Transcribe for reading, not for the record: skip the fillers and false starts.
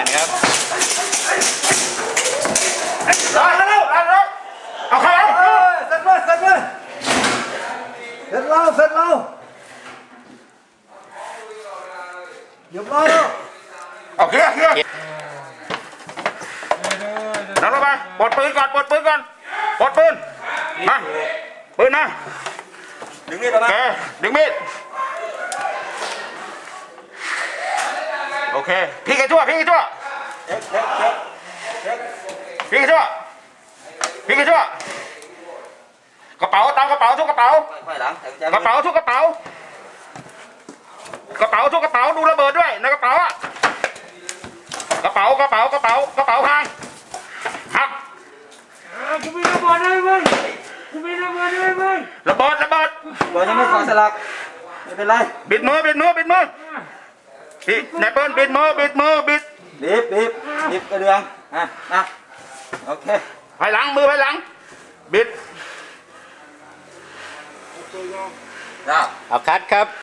ครับเอาใครเสร็จเลยเสร็จเลยเสร็จแล้วเสร็จแล้วเดี๋ยวเราโอเคนั่งลงไปปลดปืนก่อนปลดปืนมาปืนมาดึงมีดออกมาดึงมีดโอเคพี่กี่ชั่วกระเป๋าตามกระเป๋าทุกกระเป๋ากระเป๋าทุกกระเป๋าดูระเบิดด้วยในกระเป๋าอะกระเป๋าพังหักกูมีระเบิดเลยมึงระเบิดบอกยังไม่ขอสลักไม่เป็นไรบิดมือพี่นายเปิ้ลบิดมือบีบกระเดืองนะโอเคไปหลังบิดเอาคัดครับ